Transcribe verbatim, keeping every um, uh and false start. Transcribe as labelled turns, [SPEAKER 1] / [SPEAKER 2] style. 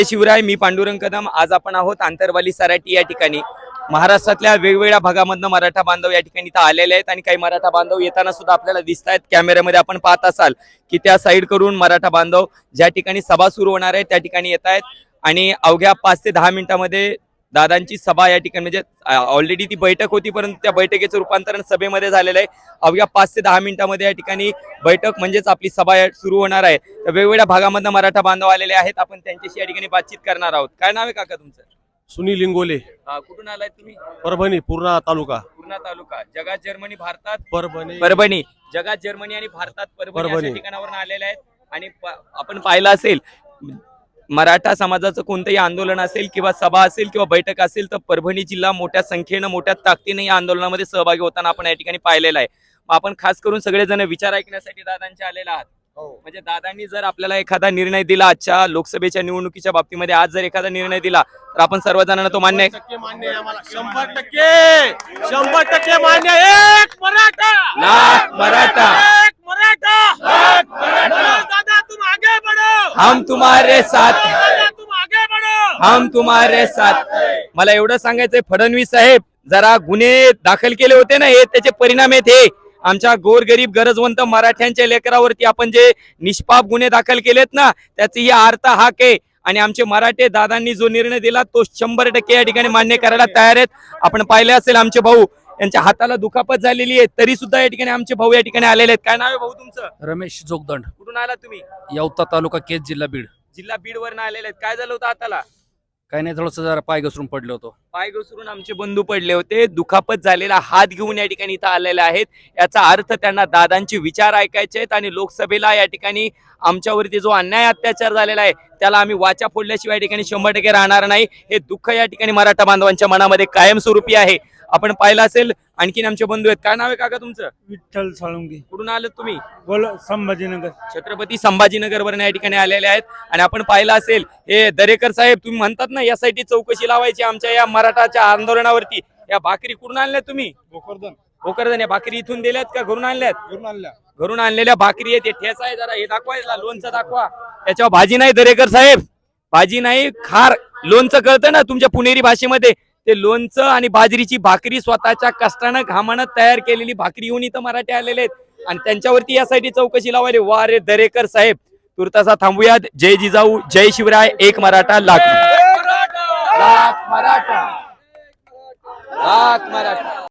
[SPEAKER 1] शिवराय, मी पांडुरंग कदम. आज आपण आहोत आंतरवाली सराटी या ठिकाणी. महाराष्ट्रातल्या वेगवेगळ्या भागामधनं मराठा बांधव या ठिकाणी इथं आलेले आहेत आणि काही मराठा बांधव येताना सुद्धा आपल्याला दिसत आहेत. कॅमेऱ्यामध्ये आपण पाहत असाल की त्या साईड करून मराठा बांधव ज्या ठिकाणी सभा सुरू होणार आहे त्या ठिकाणी येत आहेत आणि अवघ्या पाच ते दहा मिनिटांमध्ये दादांची सभा या ठिकाणी, म्हणजे ऑलरेडी ती बैठक होती परंतु त्या बैठकीचं रूपांतरण सभेमध्ये झालेलं आहे. अवघ्या पाच ते दहा मिनिटांमध्ये या ठिकाणी बैठक म्हणजेच आपली सभा सुरू होणार आहे. तर वेगवेगळ्या भागामधनं मराठा बांधव आलेले आहेत. आपण त्यांच्याशी या ठिकाणी बातचीत करणार आहोत. काय नाव आहे काका तुमचं?
[SPEAKER 2] सुनील लिंगोले.
[SPEAKER 1] कुठून आलाय तुम्ही?
[SPEAKER 2] परभणी, पूर्णा तालुका.
[SPEAKER 1] पूर्णा तालुका. जगात जर्मनी, भारतात
[SPEAKER 2] परभणी.
[SPEAKER 1] परभणी. जगात जर्मनी आणि भारतात परभणी
[SPEAKER 2] परभणी.
[SPEAKER 1] अशा ठिकाणावरून आलेले आहेत. आणि आपण पाहिलं असेल मराठा समाजाचं कोणतंही आंदोलन असेल किंवा सभा असेल किंवा बैठक असेल तर परभणी जिल्हा मोठ्या संख्येनं मोठ्या ताकदीने या आंदोलनामध्ये सहभागी होताना आपण या ठिकाणी पाहिलेलं आहे. आपण खास करून सगळेजण विचार ऐकण्यासाठी दादांचे आलेले आहात. म्हणजे दादांनी जर आपल्याला एखादा निर्णय दिला आजच्या लोकसभेच्या निवडणुकीच्या बाबतीमध्ये, आज जर एखादा निर्णय दिला तर आपण सर्वजणांना तो मान्य आहे?
[SPEAKER 2] शंभर टक्के शंभर टक्के मान्य. एक मराठा,
[SPEAKER 1] लाख मराठा,
[SPEAKER 2] एक मराठा, लाख मराठा. दादा तुम आगे बढ़ो,
[SPEAKER 1] हम तुम्हारे साथ,
[SPEAKER 2] दादा तुम आगे बढ़ो,
[SPEAKER 1] हम तुम्हारे साथ. मला एवढं सांगायचंय, फडणवीस साहेब जरा गुन्हे दाखल केले होते ना, हे त्याचे परिणाम आहेत. हे आमच्या गोरगरीब गरजवंत मराठ्यांच्या लेकरावरती आपण जे निष्पाप गुन्हे दाखल केलेत ना, त्याची ही अर्थ हाक आहे. आणि आमचे मराठे दादांनी जो निर्णय दिला तो शंभर टक्के या ठिकाणी मान्य करायला तयार आहेत. आपण पाहिले असेल आमचे भाऊ यांच्या हाताला दुखापत झालेली आहे तरी सुद्धा या ठिकाणी आमचे भाऊ या ठिकाणी आलेले आहेत. काय नाव आहे भाऊ तुमचं?
[SPEAKER 3] रमेश जोगदंड.
[SPEAKER 1] कुठून आला तुम्ही?
[SPEAKER 3] यवता तालुका, केज जिल्हा बीड.
[SPEAKER 1] जिल्हा बीड वरनं आलेले आहेत. काय झालं होतं हाताला?
[SPEAKER 3] काही नाही, थोडस जरा पाय घसरून पडलो होतो.
[SPEAKER 1] पाय घसरून आमचे बंधू पडले होते. दुखापत झालेला हात घेऊन या ठिकाणी इथं आलेले आहेत. याचा अर्थ त्यांना दादांचे विचार ऐकायचे आहेत आणि लोकसभेला या ठिकाणी आमच्यावरती जो अन्याय अत्याचार झालेला आहे त्याला आम्ही वाचा फोडल्याशिवाय या ठिकाणी शंभर टक्के राहणार नाही. हे दुःख या ठिकाणी मराठा बांधवांच्या मनामध्ये कायमस्वरूपी आहे. आपण पाहिलं असेल आणखीन आमचे बंधू आहेत. काय नाव आहे काका तुमचं?
[SPEAKER 4] विठ्ठल साळुंगे.
[SPEAKER 1] कुठून आलं तुम्ही?
[SPEAKER 4] बोल. संभाजीनगर.
[SPEAKER 1] छत्रपती संभाजीनगर वरून या ठिकाणी आलेले आहेत. आणि आपण पाहिलं असेल हे दरेकर साहेब, तुम्ही म्हणतात ना यासाठी चौकशी लावायची आमच्या या मराठाच्या आंदोलनावरती, या भाकरी कुठून आणल्या तुम्ही?
[SPEAKER 4] भोकरदन.
[SPEAKER 1] भोकरदन. या भाकरी इथून दिल्यात का घरून आणल्यात?
[SPEAKER 4] घरून आणल्या.
[SPEAKER 1] घरून आणलेल्या भाकरी आहेत. ठेचा आहे, जरा हे दाखवायला, लोणचं दाखवा. त्याच्यावर भाजी नाही दरेकर साहेब, भाजी नाही, खार. लोणचं कळतं ना तुमच्या पुणेरी भाषेमध्ये, ते लोणचं आणि बाजरीची भाकरी स्वतःच्या कष्टानं घामानं तयार केलेली भाकरी घेऊन इथं मराठे आलेले आहेत आणि त्यांच्यावरती यासाठी चौकशी लावायला. वा रे दरेकर साहेब, तुर्तासा थांबूयात. जय जिजाऊ, जय शिवराय, एक मराठा लाख लाख मराठा, लाख मराठा.